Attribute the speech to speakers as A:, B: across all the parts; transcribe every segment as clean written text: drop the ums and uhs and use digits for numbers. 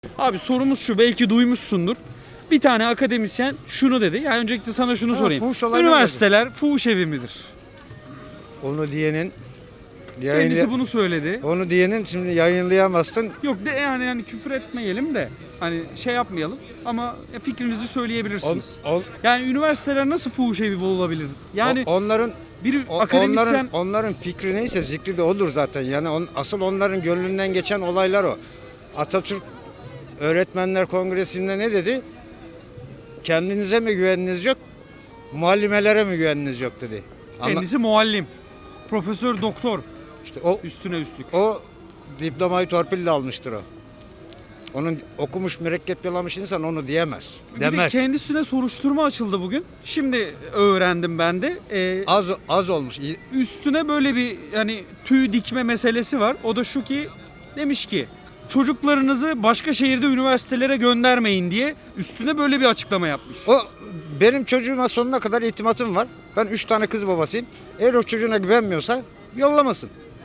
A: Abi sorumuz şu, belki duymuşsundur. Bir tane akademisyen şunu dedi. Yani öncelikle sana şunu sorayım.
B: fuhuş olayları
A: Üniversiteler fuhuş evi midir?
B: Onu diyenin
A: Kendisi bunu söyledi.
B: onu diyenin şimdi yayınlayamazsın.
A: Yok de yani küfür etmeyelim de hani şey yapmayalım ama fikrinizi söyleyebilirsiniz. Yani üniversiteler nasıl fuhuş evi olabilir? Yani
B: Onların
A: bir akademisyen
B: onların fikri neyse zikri de olur zaten. Yani asıl onların gönlünden geçen olaylar o. Atatürk Öğretmenler Kongresi'nde ne dedi? Kendinize mi güveniniz yok, muallimelere mi güveniniz yok dedi.
A: kendisi muallim, profesör, doktor,
B: İşte o
A: üstüne üstlük.
B: diplomayı torpille almıştır o. Onun okumuş mürekkep yalamış insan onu diyemez.
A: Bir de
B: Demez.
A: kendisine soruşturma açıldı bugün. Şimdi öğrendim ben de.
B: Az olmuş.
A: Üstüne böyle bir yani tüy dikme meselesi var. O da şu ki demiş ki çocuklarınızı başka şehirde üniversitelere göndermeyin diye üstüne böyle bir açıklama yapmış.
B: O benim çocuğuma sonuna kadar itimatım var. Ben 3 tane kız babasıyım. Eğer o çocuğuna güvenmiyorsa yollamasın.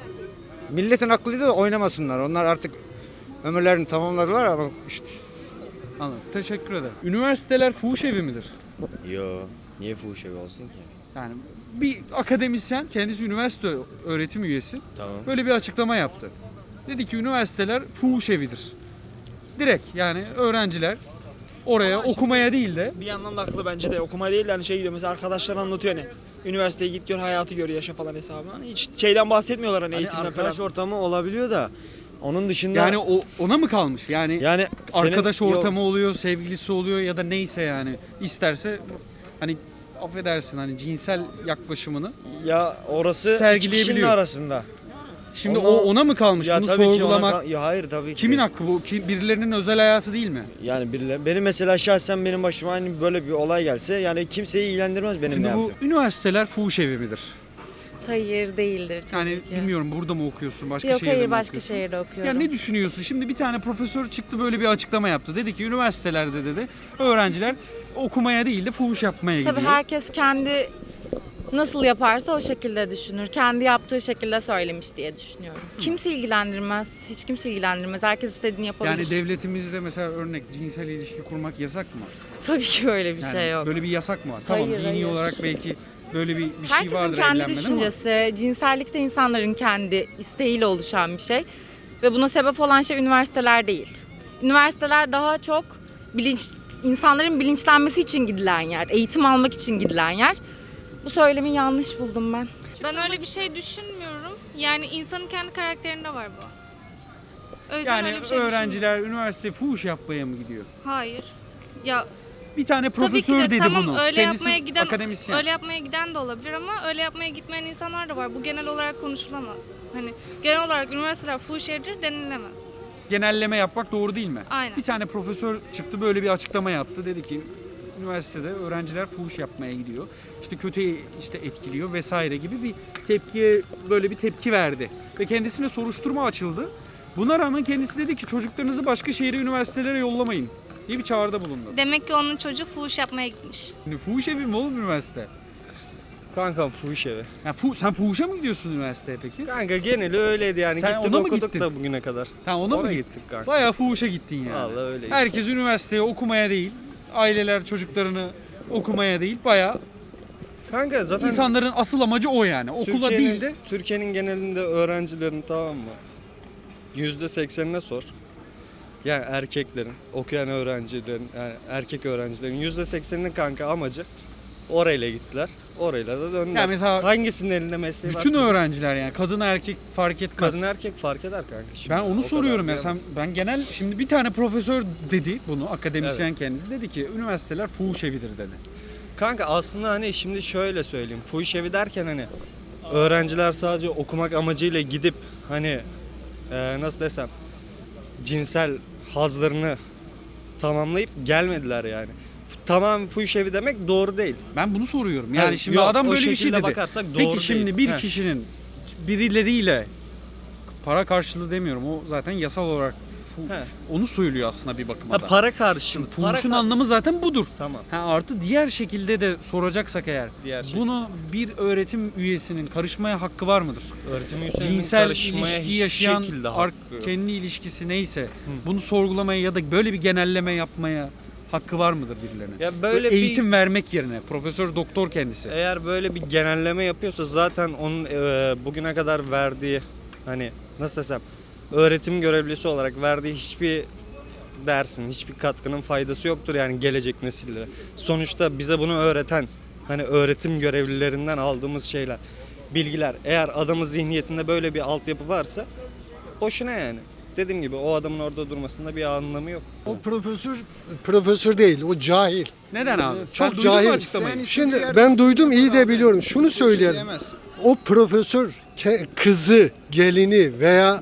B: Milletin aklıyla da oynamasınlar. Onlar artık ömürlerini tamamladılar ama işte
A: Anladım. Teşekkür ederim. Üniversiteler fuhuş evi midir?
C: Yo, niye fuhuş evi olsun ki?
A: Yani bir akademisyen, kendisi üniversite öğretim üyesi,
C: Tamam.
A: böyle bir açıklama yaptı. Dedi ki üniversiteler fuhuş evidir. Direkt yani öğrenciler oraya okumaya değil de
D: Bir yandan da haklı bence de okuma değil de hani şey gidiyor mesela arkadaşlar anlatıyor hani üniversiteye git gör hayatı gör yaşa falan hesabı. Hani hiç şeyden bahsetmiyorlar hani eğitimden
C: Arkadaş
D: falan.
C: ortamı olabiliyor da onun dışında
A: yani ona mı kalmış? Yani
C: senin-
A: arkadaş
C: Yok,
A: ortamı oluyor, sevgilisi oluyor ya da neyse yani isterse hani affedersin hani cinsel yaklaşımını.
C: ya orası iki
A: sergileyebiliyor.
C: kişinin arasında.
A: Şimdi
C: Ona-
A: ona mı kalmış
C: Ya
A: bunu
C: tabii ki ona
A: sorgulamak?
C: ya hayır tabii ki.
A: Kimin hakkı bu? Birilerinin özel hayatı değil mi?
C: Yani benim mesela şahsen benim başıma hani böyle bir olay gelse yani kimseyi ilgilendirmez benim ne
A: Şimdi bu
C: yaptığım.
A: üniversiteler fuhuş evi midir?
E: Hayır değildir tabii
A: Yani
E: ki.
A: bilmiyorum burada mı okuyorsun, başka
E: Yok
A: şehirde
E: hayır
A: mi
E: başka
A: okuyorsun?
E: şehirde okuyorum.
A: Ya ne düşünüyorsun? Şimdi bir tane profesör çıktı böyle bir açıklama yaptı. Dedi ki üniversitelerde dedi öğrenciler okumaya değil de fuhuş yapmaya
E: Tabii
A: gidiyor.
E: herkes kendi nasıl yaparsa o şekilde düşünür. Kendi yaptığı şekilde söylemiş diye düşünüyorum. Kimse ilgilendirmez. Hiç kimse ilgilendirmez. Herkes istediğini yapabilir.
A: Yani devletimizde mesela örnek cinsel ilişki kurmak yasak mı?
E: Tabii ki böyle bir
A: Yani
E: şey yok.
A: böyle bir yasak mı var? Tamam
E: Hayır,
A: dini
E: hayır.
A: olarak belki böyle bir şey
E: Herkesin
A: vardır
E: kendi
A: evlenmede
E: düşüncesi, cinsellik de insanların kendi isteğiyle oluşan bir şey. Ve buna sebep olan şey üniversiteler değil. Üniversiteler daha çok insanların bilinçlenmesi için gidilen yer, eğitim almak için gidilen yer. Bu söylemi yanlış buldum ben.
F: Ben öyle bir şey düşünmüyorum. Yani insanın kendi karakterinde var bu. O yüzden
A: Yani
F: öyle bir şey
A: öğrenciler üniversite fuhuş yapmaya mı gidiyor?
F: Hayır. Ya
A: Bir tane
F: tabii
A: profesör
F: ki de
A: dedi
F: tamam
A: bunu.
F: öyle
A: Kendisi
F: yapmaya giden
A: akademisyen.
F: öyle yapmaya giden de olabilir ama öyle yapmaya gitmeyen insanlar da var. Bu genel olarak konuşulamaz. Hani genel olarak üniversiteler fuhuş yeridir denilemez.
A: Genelleme yapmak doğru değil mi?
F: Aynen.
A: Bir tane profesör çıktı böyle bir açıklama yaptı. Dedi ki üniversitede öğrenciler fuhuş yapmaya gidiyor. İşte kötü işte etkiliyor vesaire gibi bir tepkiye böyle bir tepki verdi. Ve kendisine soruşturma açıldı. Buna rağmen kendisi dedi ki çocuklarınızı başka şehre üniversitelere yollamayın diye bir çağrıda bulundu.
F: Demek ki onun çocuğu fuhuş yapmaya gitmiş.
A: Şimdi fuhuş evi mi oğlum üniversite?
C: Kankam fuhuş evi.
A: Ya sen fuhuşa mı gidiyorsun üniversiteye peki?
C: Kanka geneli öyleydi yani
A: Sen
C: gittik
A: ona mı
C: okuduk
A: gittin?
C: da bugüne kadar.
A: Ha ona mı
C: Oraya
A: gittin?
C: gittik kanka.
A: Bayağı fuhuşa gittin yani.
C: Vallahi öyle.
A: Herkes üniversiteye okumaya değil, aileler çocuklarını okumaya değil, bayağı
C: Kanka zaten
A: insanların asıl amacı o yani. Okula değil de
C: Türkiye'nin genelinde öğrencilerin tamam mı? %80'ine sor. Yani erkeklerin, okuyan öğrencilerin, yani erkek öğrencilerin %80'inin kanka amacı orayla gittiler. Orayla da döndüler.
A: Yani mesela
C: Hangisinin elinde mesleği var?
A: bütün öğrenciler yani kadın erkek fark etmez.
C: Kadın erkek fark eder kanka şimdi.
A: Ben onu
C: O
A: soruyorum
C: kadar
A: ya
C: diyemem.
A: ben genel şimdi bir tane profesör dedi bunu akademisyen kendisi dedi ki üniversiteler fuhuş evidir dedi.
C: Kanka aslında hani şimdi şöyle söyleyeyim. Fuhuş evi derken hani öğrenciler sadece okumak amacıyla gidip hani nasıl desem cinsel hazlarını tamamlayıp gelmediler yani. Tamam fuhuş evi demek doğru değil.
A: Ben bunu soruyorum. Yani
C: Evet,
A: şimdi
C: yok,
A: adam
C: o
A: böyle bir şey
C: şekilde
A: dedi.
C: bakarsak
A: Peki
C: doğru
A: şimdi
C: değil.
A: bir
C: Heh.
A: kişinin birileriyle para karşılığı demiyorum. O zaten yasal olarak
C: He.
A: Onu söylüyor aslında bir bakıma
C: Ha,
A: da.
C: para karşılığı.
A: Fuhuşun anlamı zaten budur.
C: Tamam.
A: Ha, artı diğer şekilde de soracaksak eğer,
C: Diğer şekilde.
A: bunu bir öğretim üyesinin karışmaya hakkı var mıdır?
C: Öğretim üyesinin
A: Cinsel
C: karışmaya
A: ilişki
C: hiçbir
A: yaşayan,
C: şekilde hakkı yok.
A: kendi ilişkisi neyse bunu sorgulamaya ya da böyle bir genelleme yapmaya hakkı var mıdır birilerine?
C: Ya böyle
A: eğitim vermek yerine profesör doktor kendisi.
C: Eğer böyle bir genelleme yapıyorsa zaten onun bugüne kadar verdiği, hani nasıl desem, öğretim görevlisi olarak verdiği hiçbir dersin, hiçbir katkının faydası yoktur yani gelecek nesillere. Sonuçta bize bunu öğreten, hani öğretim görevlilerinden aldığımız şeyler, bilgiler. Eğer adamın zihniyetinde böyle bir altyapı varsa boşuna yani. Dediğim gibi o adamın orada durmasında bir anlamı yok.
G: O profesör değil, o cahil.
A: Neden abi?
G: Çok
A: Sen duydun mu
G: cahil.
A: açıklamayı?
G: Şimdi ben duydum, iyi de biliyorum. Şunu söyleyelim. O profesör kızı, gelini veya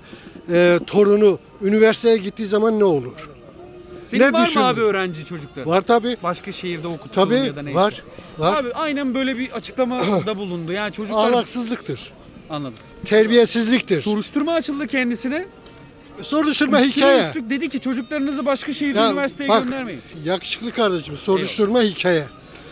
G: torunu üniversiteye gittiği zaman ne olur?
A: Senin
G: ne
A: var mı
G: düşündün?
A: abi öğrenci çocukları?
G: Var tabi.
A: Başka şehirde okuttuğun ya da
G: Tabi
A: neyse.
G: var. Var.
A: Abi aynen böyle bir açıklamada bulundu. Yani çocuklar...
G: Ahlaksızlıktır.
A: Anladım.
G: Terbiyesizliktir.
A: Soruşturma açıldı kendisine.
G: Soruşturma
A: Üstüne
G: hikaye.
A: üstlük dedi ki çocuklarınızı başka şehirde
G: Ya
A: üniversiteye
G: bak,
A: göndermeyin.
G: yakışıklı kardeşim, soruşturma hikaye.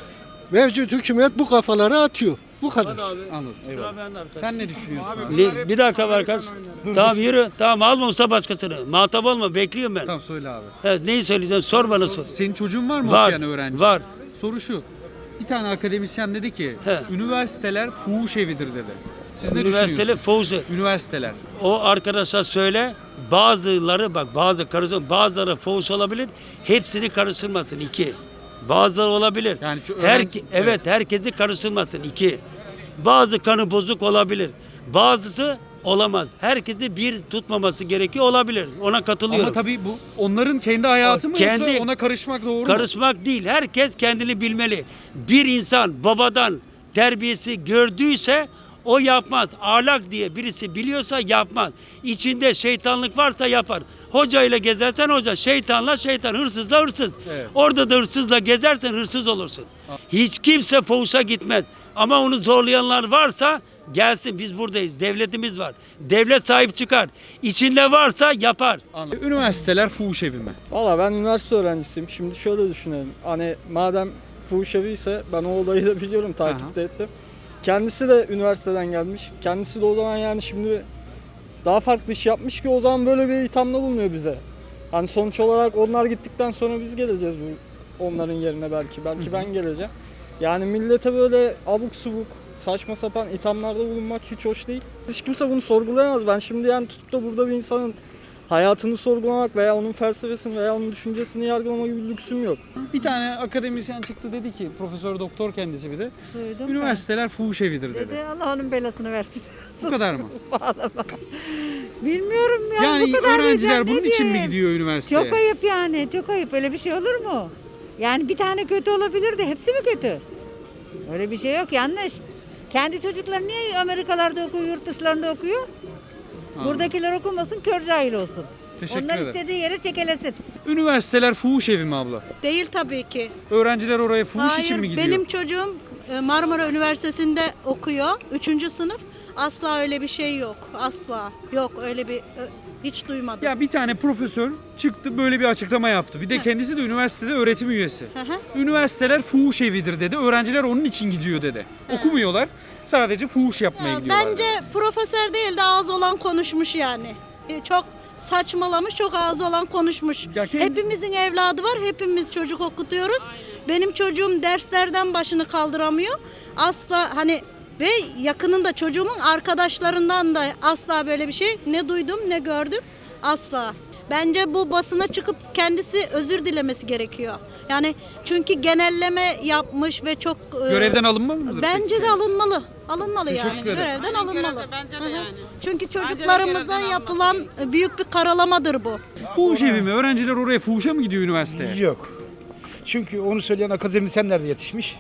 G: Mevcut hükümet bu kafaları atıyor. Bu kadar.
A: Anladım. Eyvallah. Sen ne düşünüyorsun abi?
H: Bir dakika var kız. Tamam yürü. Tamam alma usta başkasını. Muhatap olma. Bekliyorum ben.
A: Tamam söyle abi.
H: Evet, neyi söyleyeceğim? Sor bana sor.
A: Senin çocuğun var mı
H: Var.
A: okuyan öğrenci?
H: Var.
A: Soru şu. Bir tane akademisyen dedi ki
H: He.
A: üniversiteler fuhuş evidir dedi. Siz ne
H: Üniversiteli
A: düşünüyorsunuz?
H: Fauzi.
A: Üniversiteler.
H: O arkadaşa söyle. Bazıları bak bazıları Fauzi olabilir. Hepsini karıştırmasın. 2. Bazıları olabilir.
A: Yani öğrenci-
H: Evet, herkesi karıştırmasın. 2. Bazı kanı bozuk olabilir. Bazısı olamaz. Herkesi bir tutmaması gerekiyor, olabilir. Ona katılıyorum.
A: Ama tabii bu onların kendi hayatı mı
H: Kendi-
A: yoksa ona karışmak doğru mu?
H: Karışmak değil. Herkes kendini bilmeli. Bir insan babadan terbiyesi gördüyse o yapmaz. Ahlak diye birisi biliyorsa yapmaz. İçinde şeytanlık varsa yapar. Hoca ile gezersen hoca, şeytanla şeytan, hırsızla hırsız.
A: Evet.
H: Orada da hırsızla gezersen hırsız olursun. Hiç kimse fuhuşa gitmez. Ama onu zorlayanlar varsa gelsin, biz buradayız. Devletimiz var. Devlet sahip çıkar. İçinde varsa yapar.
A: Anladım. Üniversiteler fuhuş evi mi?
I: Valla ben üniversite öğrencisiyim. Şimdi şöyle düşünelim. Hani madem fuhuş evi ise ben o olayı da biliyorum, takipte ettim. Kendisi de üniversiteden gelmiş. Kendisi de o zaman yani şimdi daha farklı iş yapmış ki o zaman böyle bir ithamda bulunuyor bize. Hani sonuç olarak onlar gittikten sonra biz geleceğiz onların yerine belki. Belki ben geleceğim. Yani millete böyle abuk subuk, saçma sapan ithamlarda bulunmak hiç hoş değil. Hiç kimse bunu sorgulayamaz. Ben şimdi yani tutup da burada bir insanın hayatını sorgulamak veya onun felsefesini veya onun düşüncesini yargılama gibi bir lüksüm yok.
A: Bir tane akademisyen çıktı dedi ki profesör doktor kendisi bir de
J: Duydum
A: üniversiteler fuhuş evidir
J: ben.
A: dedi.
J: Dedi Allah onun belasını versin.
A: Bu kadar mı?
J: Bağlama. Bilmiyorum yani,
A: Yani
J: bu kadar
A: öğrenciler
J: diyeceğim,
A: bunun
J: ne
A: için mi
J: diyeyim?
A: gidiyor üniversiteye?
J: Çok ayıp yani, çok ayıp. Öyle bir şey olur mu? Yani bir tane kötü olabilir de hepsi mi kötü? Öyle bir şey yok, yanlış. Kendi çocuklar niye Amerikalarda okuyor, yurt dışlarında okuyor? Buradakiler okumasın, kör cahil olsun.
A: Teşekkür
J: Onlar
A: ederim.
J: istediği yere çekelesin.
A: Üniversiteler fuhuş evi mi abla?
K: Değil tabii ki.
A: Öğrenciler oraya fuhuş için mi
K: Hayır,
A: gidiyor?
K: benim çocuğum Marmara Üniversitesi'nde okuyor. 3. sınıf. Asla öyle bir şey yok. Asla. Yok öyle bir hiç duymadım.
A: Ya bir tane profesör çıktı böyle bir açıklama yaptı. Bir de kendisi de üniversitede öğretim üyesi.
K: Hı hı.
A: Üniversiteler fuhuş evidir dedi. Öğrenciler onun için gidiyor dedi. Okumuyorlar. Sadece fuhuş yapmaya gidiyorlar.
K: Bence profesör değil de ağzı olan konuşmuş yani. Çok saçmalamış, çok ağzı olan konuşmuş.
A: Ya
K: Hepimizin evladı var, hepimiz çocuk okutuyoruz. Benim çocuğum derslerden başını kaldıramıyor. Asla hani ve yakınında çocuğumun arkadaşlarından da asla böyle bir şey ne duydum ne gördüm. Asla. Bence bu basına çıkıp kendisi özür dilemesi gerekiyor. Yani çünkü genelleme yapmış ve çok
A: Görevden alınmalı mıdır?
K: bence
A: peki?
K: de alınmalı. Alınmalı
A: Teşekkür
K: yani.
A: ederim.
K: Görevden alınmalı.
L: Bence de
K: Hı hı.
L: yani.
K: Çünkü çocuklarımıza yapılan büyük bir karalamadır bu.
A: Fuhuş evi mi? Öğrenciler oraya fuhuşa mı gidiyor üniversiteye?
M: Yok. Çünkü onu söyleyen akademisyenler de yetişmiş.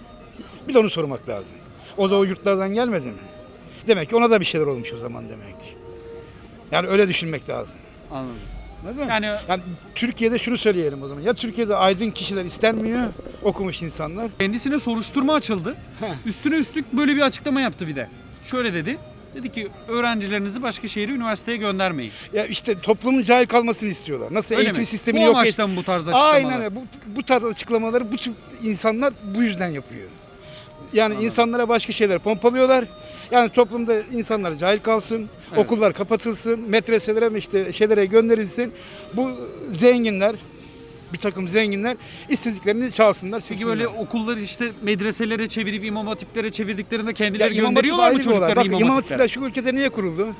M: Bir de onu sormak lazım. O da o yurtlardan gelmedi mi? Demek ki ona da bir şeyler olmuş o zaman demektir. Yani öyle düşünmek lazım.
A: Anladım.
M: Anladın mı?
A: Yani
M: Yani Türkiye'de şunu söyleyelim o zaman. Ya Türkiye'de aydın kişiler istenmiyor, okumuş insanlar.
A: kendisine soruşturma açıldı. Üstüne üstlük böyle bir açıklama yaptı bir de. Şöyle dedi. Dedi ki öğrencilerinizi başka şehre, üniversiteye göndermeyin.
M: Ya işte toplumun cahil kalmasını istiyorlar. Nasıl
A: Öyle
M: eğitim
A: mi?
M: sistemini
A: Bu
M: yok
A: amaçtan bu tarz açıklamalar.
M: Aynen öyle. Bu tarz açıklamaları bu tür insanlar bu yüzden yapıyor. Yani insanlara başka şeyler pompalıyorlar. Yani toplumda insanlar cahil kalsın,
A: Evet.
M: okullar kapatılsın, medreselere mi işte şeylere gönderilsin. Bu zenginler, bir takım zenginler istediklerini çalsınlar,
A: Peki
M: çıksınlar.
A: böyle okulları işte medreselere çevirip imam hatiplere çevirdiklerinde kendileri
M: İmam Hatip
A: gönderiyorlar mı
M: ayrı bir olay.
A: çocuklarını
M: Bak
A: imam
M: İmam
A: hatiplere?
M: Hatipler şu ülkede niye kuruldu?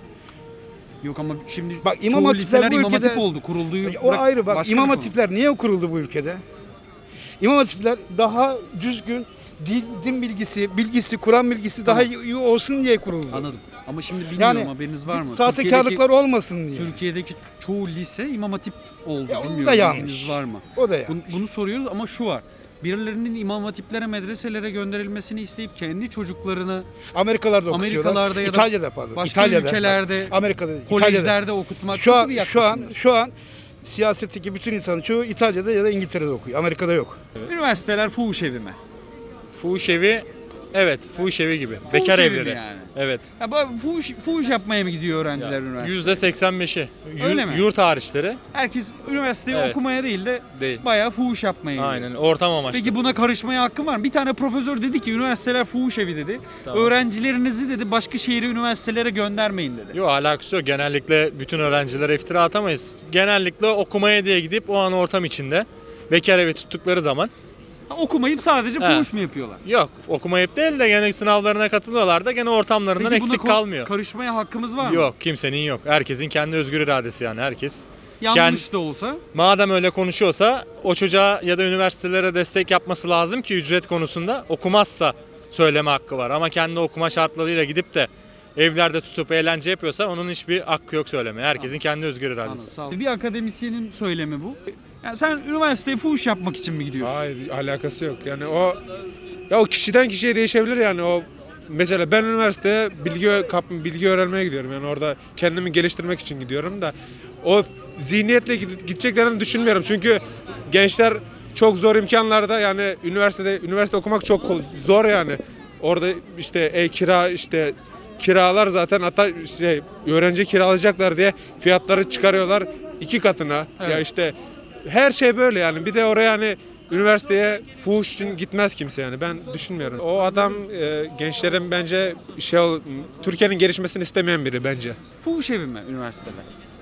A: Yok ama şimdi
M: Bak, İmam
A: çoğu
M: Hatipler
A: liseler
M: bu
A: imam
M: ülkede-
A: hatip oldu. Kurulduğu
M: O ayrı bak.
A: başka
M: İmam
A: bir konu.
M: Hatipler niye kuruldu bu ülkede? İmam Hatipler daha düzgün din bilgisi, Kur'an bilgisi daha iyi olsun diye kuruldu.
A: Anladım. Ama şimdi bilmiyorum, haberiniz var mı?
M: Sahtekarlıklar olmasın diye.
A: Türkiye'deki çoğu lise imam hatip oldu.
M: Ya o da
A: Bilmiyorum,
M: yanlış.
A: haberiniz var mı?
M: O da yanlış.
A: Bunu soruyoruz ama şu var. Birilerinin imam hatiplere, medreselere gönderilmesini isteyip kendi çocuklarını
M: Amerikalarda okutuyorlar.
A: Amerikalarda ya da
M: İtalya'da pardon.
A: başka
M: İtalya'da,
A: ülkelerde,
M: Amerika'da,
A: kolejlerde
M: İtalya'da.
A: okutmak
M: Şu
A: nasıl bir
M: an
A: yaklaşımdır?
M: şu an siyasetteki bütün insanın çoğu İtalya'da ya da İngiltere'de okuyor. Amerika'da yok.
A: Üniversiteler fuhuş evi mi?
C: Fuhuş evi, evet fuhuş evi gibi.
A: Fuhuş
C: Bekar
A: evi mi
C: evleri.
A: yani?
C: Evet.
A: Ya fuhuş yapmaya mı gidiyor öğrenciler üniversiteye?
C: %85'i.
A: Öyle mi?
C: Yurt hariçleri
A: Herkes üniversiteye
C: Evet.
A: okumaya değil de
C: değil.
A: bayağı fuhuş yapmaya gidiyor.
C: Aynen ortam amaçlı.
A: Peki buna karışmaya hakkın var mı? Bir tane profesör dedi ki üniversiteler fuhuş evi dedi.
C: Tamam.
A: Öğrencilerinizi dedi başka şehire, üniversitelere göndermeyin dedi.
C: Yok alakası yok. Genellikle bütün öğrencilere iftira atamayız. Genellikle okumaya diye gidip o an ortam içinde bekar evi tuttukları zaman
A: Okumayıp sadece
C: He.
A: fuhuş mu yapıyorlar?
C: yok okumayıp değil de gene sınavlarına katılıyorlar da gene ortamlarından
A: Peki buna
C: eksik kalmıyor.
A: karışmaya hakkımız var mı?
C: Yok kimsenin yok. Herkesin kendi özgür iradesi yani herkes.
A: Yanlış da olsa.
C: Madem öyle konuşuyorsa o çocuğa ya da üniversitelere destek yapması lazım ki ücret konusunda okumazsa söyleme hakkı var. Ama kendi okuma şartlarıyla gidip de evlerde tutup eğlence yapıyorsa onun hiçbir hakkı yok söylemeye. Herkesin kendi özgür iradesi.
A: Anladım, sağ olun. Bir akademisyenin söylemi bu. Yani sen üniversiteye fuhuş yapmak için mi gidiyorsun?
L: Hayır alakası yok. Yani o kişiden kişiye değişebilir yani o mesela ben üniversiteye bilgi öğrenmeye gidiyorum. Yani orada kendimi geliştirmek için gidiyorum da o zihniyetle gideceklerini düşünmüyorum. Çünkü gençler çok zor imkanlarda yani üniversite okumak çok zor yani. Orada işte kiralar zaten hatta öğrenci kiralayacaklar diye fiyatları çıkarıyorlar 2 katına.
A: Evet.
L: Ya işte her şey böyle yani. Bir de oraya hani üniversiteye fuhuş için gitmez kimse yani. Ben düşünmüyorum. O adam gençlerin bence Türkiye'nin gelişmesini istemeyen biri bence.
A: Fuhuş evi mi üniversiteler?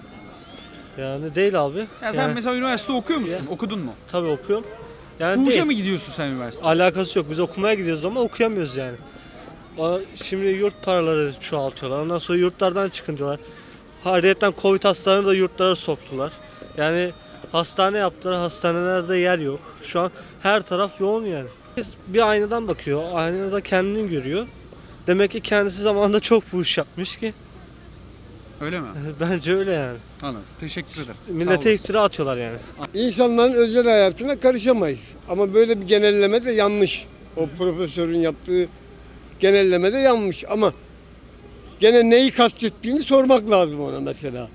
C: Yani değil abi.
A: Ya sen mesela üniversite okuyor musun? Okudun mu?
C: Tabii okuyorum. Yani
A: Fuhuşa mı gidiyorsun sen üniversiteye?
C: Alakası yok. Biz okumaya gidiyoruz ama okuyamıyoruz yani. Şimdi yurt paraları çoğaltıyorlar. Ondan sonra yurtlardan çıkın diyorlar. Ayrıca Covid hastalarını da yurtlara soktular. Yani hastane yaptılar. Hastanelerde yer yok. Şu an her taraf yoğun yani. Herkes bir aynadan bakıyor. Aynada kendini görüyor. Demek ki kendisi zamanında çok fuhuş yapmış ki.
A: Öyle mi?
C: Bence öyle yani.
A: Anladım. Teşekkür ederim. Sağ
C: Millete
A: olasın.
C: iftira atıyorlar yani.
G: İnsanların özel hayatına karışamayız. Ama böyle bir genelleme de yanlış. O profesörün yaptığı genelleme de yanlış ama gene neyi kastettiğini sormak lazım ona mesela.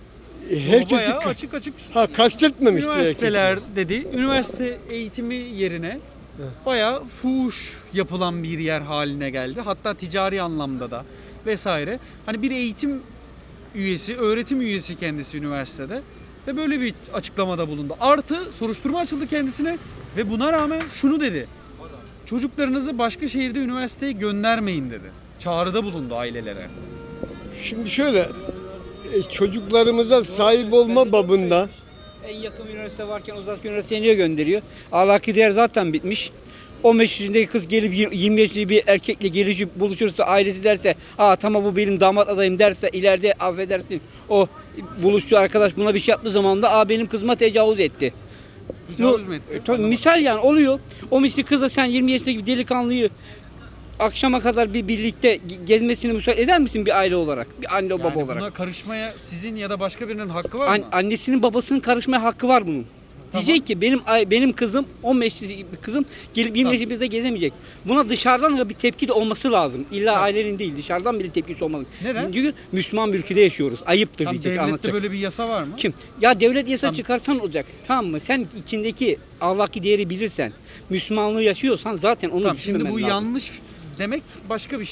A: Bayağı açık açık
G: kastetmemiş direkt.
A: üniversiteler dedi. Üniversite eğitimi yerine bayağı fuhuş yapılan bir yer haline geldi. Hatta ticari anlamda da vesaire. Hani bir eğitim üyesi, öğretim üyesi kendisi üniversitede ve böyle bir açıklamada bulundu. Artı soruşturma açıldı kendisine ve buna rağmen şunu dedi. Çocuklarınızı başka şehirde üniversiteye göndermeyin dedi. Çağrıda bulundu ailelere.
G: Şimdi şöyle çocuklarımıza sahip olma babında
N: En yakın üniversite varken uzak üniversiteye niye gönderiyor? Ahlaki değer zaten bitmiş. 15 yaşındaki kız gelip 20 yaşındaki bir erkekle gelişip buluşursa ailesi derse tamam bu benim damat adayım derse ileride affedersin o buluşçu arkadaş buna bir şey yaptığı zaman da benim kızıma tecavüz etti.
A: Tecavüz mü etti?
N: Tabii, misal yani oluyor. O misli kızla sen 20 yaşındaki bir delikanlıyı akşama kadar bir birlikte gezmesini müsaade eder misin bir aile olarak? Bir anne baba
A: Yani
N: olarak.
A: buna karışmaya sizin ya da başka birinin hakkı var mı?
N: Annesinin babasının karışmaya hakkı var bunun.
A: Tamam.
N: Diyecek ki benim kızım 15 yaşındaki kızım gelip 20 yaşında gezemeyecek. Buna dışarıdan bir tepki de olması lazım. İlla ailenin değil dışarıdan bir tepkisi olmalı.
A: Neden?
N: Çünkü Müslüman bir ülkede yaşıyoruz. Ayıptır
A: Tam
N: diyecek
A: devlette
N: anlatacak.
A: böyle bir yasa var mı?
N: Kim? Ya devlet yasa
A: Tamam.
N: çıkarsan olacak. Tamam mı? Sen içindeki ahlaki değeri bilirsen, Müslümanlığı yaşıyorsan zaten onu
A: Tamam,
N: düşünmemen
A: şimdi bu
N: lazım.
A: yanlış demek başka bir şey.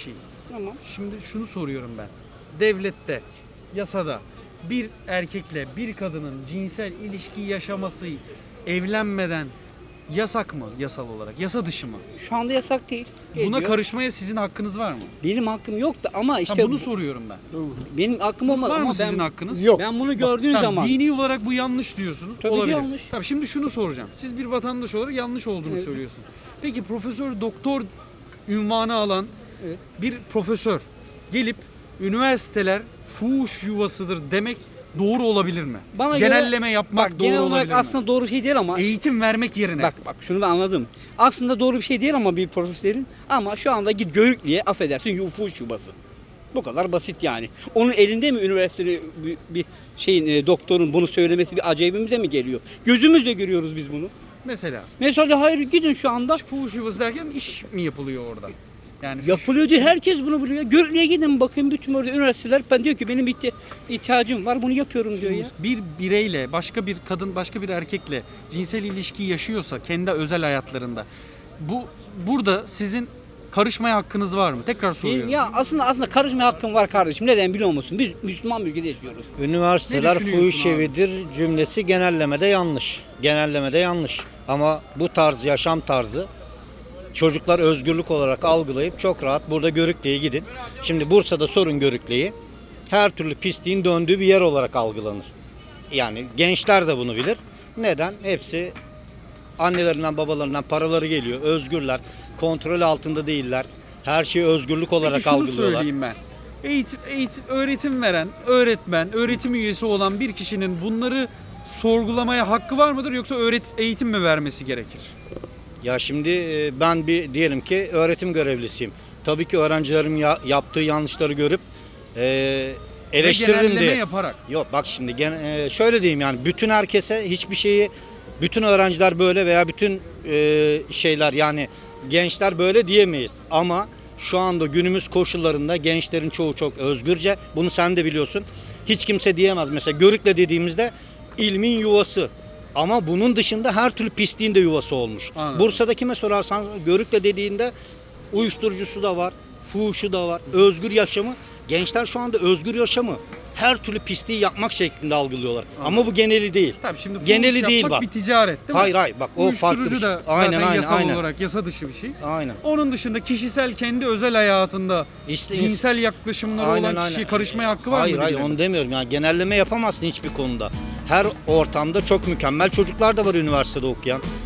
N: Tamam.
A: Şimdi şunu soruyorum ben. Devlette, yasada bir erkekle bir kadının cinsel ilişki yaşaması evlenmeden yasak mı yasal olarak? Yasa dışı mı?
N: Şu anda yasak değil.
A: Buna
N: Geliyor.
A: karışmaya sizin hakkınız var mı?
N: Benim hakkım yok da ama işte
A: İşte bunu soruyorum ben.
N: benim hakkım olmaz
A: Var
N: ama
A: mı sizin
N: ben,
A: hakkınız?
G: Yok.
N: ben bunu gördüğüm
A: Tamam,
N: zaman
A: dini olarak bu yanlış diyorsunuz.
N: Tabii ki
A: Olabilir.
N: yanlış.
A: Tabii şimdi şunu soracağım. Siz bir vatandaş olarak yanlış olduğunu
N: Evet.
A: söylüyorsunuz. Peki profesör doktor ünvanı alan
N: Evet.
A: bir profesör gelip üniversiteler fuhuş yuvasıdır demek doğru olabilir mi?
N: Bana göre-
A: Genelleme yapmak
N: bak,
A: doğru
N: genel
A: olabilir
N: olarak
A: mi?
N: aslında doğru şey değil ama
A: Eğitim vermek yerine.
N: bak şunu ben anladım. Aslında doğru bir şey değil ama bir profesörün ama şu anda git Görüklü'ye affedersin fuhuş yuvası. Bu kadar basit yani. Onun elinde mi üniversitede bir şeyin doktorun bunu söylemesi bir acayibimize mi geliyor? Gözümüzle görüyoruz biz bunu.
A: Mesela
N: Hayır gidin şu anda.
A: fuhuş yuvası derken iş mi yapılıyor orada? Yani
N: Yapılıyor diyor. Herkes bunu biliyor. Görüklü'ye gidin bakın bütün orada üniversiteler. Ben diyor ki benim ihtiyacım var bunu yapıyorum diyor ya.
A: bir bireyle başka bir kadın başka bir erkekle cinsel ilişki yaşıyorsa kendi özel hayatlarında burada sizin karışmaya hakkınız var mı? Tekrar soruyorum.
N: Ya aslında karışma hakkım var kardeşim. Neden biliyor musun? Biz Müslüman bir ülkede yaşıyoruz.
B: Üniversiteler
A: Ne düşünüyorsun
B: fuhuş
A: abi?
B: evidir cümlesi genellemede yanlış. Genellemede yanlış. Ama bu tarz yaşam tarzı çocuklar özgürlük olarak algılayıp çok rahat burada Görükle'ye gidin. Şimdi Bursa'da sorun Görükle'yi. Her türlü pisliğin döndüğü bir yer olarak algılanır. Yani gençler de bunu bilir. Neden? Hepsi annelerinden babalarından paraları geliyor. Özgürler. Kontrol altında değiller. Her şeyi özgürlük olarak
A: Peki şunu
B: algılıyorlar.
A: söyleyeyim ben. Öğretim veren, öğretmen, öğretim üyesi olan bir kişinin bunları sorgulamaya hakkı var mıdır yoksa eğitim mi vermesi gerekir?
B: Ya şimdi ben diyelim ki öğretim görevlisiyim. Tabii ki öğrencilerim yaptığı yanlışları görüp eleştiririm
A: genelleme
B: diye.
A: yaparak.
B: Yok bak şimdi şöyle diyeyim yani bütün herkese hiçbir şeyi bütün öğrenciler böyle veya bütün şeyler yani gençler böyle diyemeyiz. Ama şu anda günümüz koşullarında gençlerin çoğu çok özgürce. Bunu sen de biliyorsun. Hiç kimse diyemez. Mesela Görükle dediğimizde ilmin yuvası. Ama bunun dışında her türlü pisliğin de yuvası olmuş.
A: Anladım.
B: Bursa'da kime sorarsan Görükle dediğinde uyuşturucusu da var, fuhuşu da var, özgür yaşamı. Gençler şu anda özgür yaşamı her türlü pisliği yapmak şeklinde algılıyorlar. Ama bu geneli değil.
A: Tabii şimdi fuhuş
B: Geneli değil
A: yapmak
B: bak.
A: bir ticaret değil mi?
B: Hayır bak o farklı bir
A: Uyuşturucu
B: şey.
A: da zaten yasal
B: aynen.
A: olarak yasa dışı bir şey.
B: Aynen.
A: Onun dışında kişisel kendi özel hayatında
B: İşte
A: cinsel yaklaşımları
B: Aynen,
A: olan kişiye
B: aynen.
A: karışmaya hakkı var mı?
B: Hayır
A: birilerinin?
B: onu demiyorum yani genelleme yapamazsın hiçbir konuda. Her ortamda çok mükemmel çocuklar da var üniversitede okuyan.